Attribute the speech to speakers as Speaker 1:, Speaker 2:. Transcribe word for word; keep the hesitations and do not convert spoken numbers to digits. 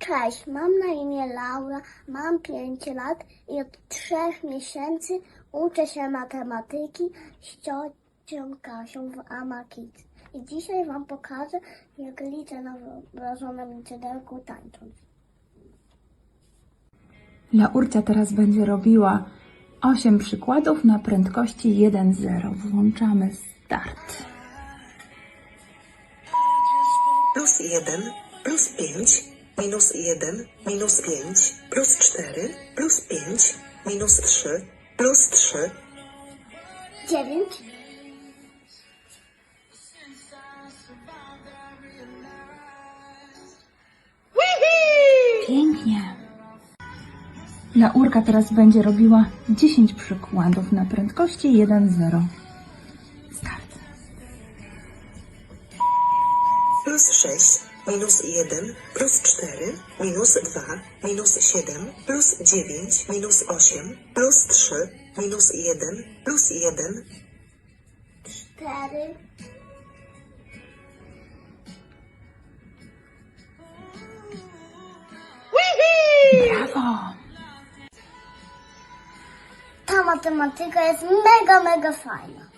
Speaker 1: Cześć, mam na imię Laura, mam pięć lat i od trzech miesięcy uczę się matematyki z ciocią Kasią w Ama Kids. I dzisiaj Wam pokażę, jak liczę na wyobrażonym liczydełku tańcząc.
Speaker 2: Laurcia teraz będzie robiła osiem przykładów na prędkości jeden zero. Włączamy start.
Speaker 3: Plus jeden, plus pięć, minus jeden, minus pięć, plus cztery, plus pięć, minus trzy, plus trzy,
Speaker 1: Dziewięć,
Speaker 2: Pięknie. Laurka teraz będzie robiła dziesięć przykładów na prędkości jeden zero. Start.
Speaker 3: plus sześć, minus jeden, plus cztery, minus dwa, minus siedem, plus dziewięć, minus osiem, plus trzy, minus jeden, plus jeden,
Speaker 1: cztery,
Speaker 2: Brawo!
Speaker 1: Ta matematyka jest mega, mega fajna.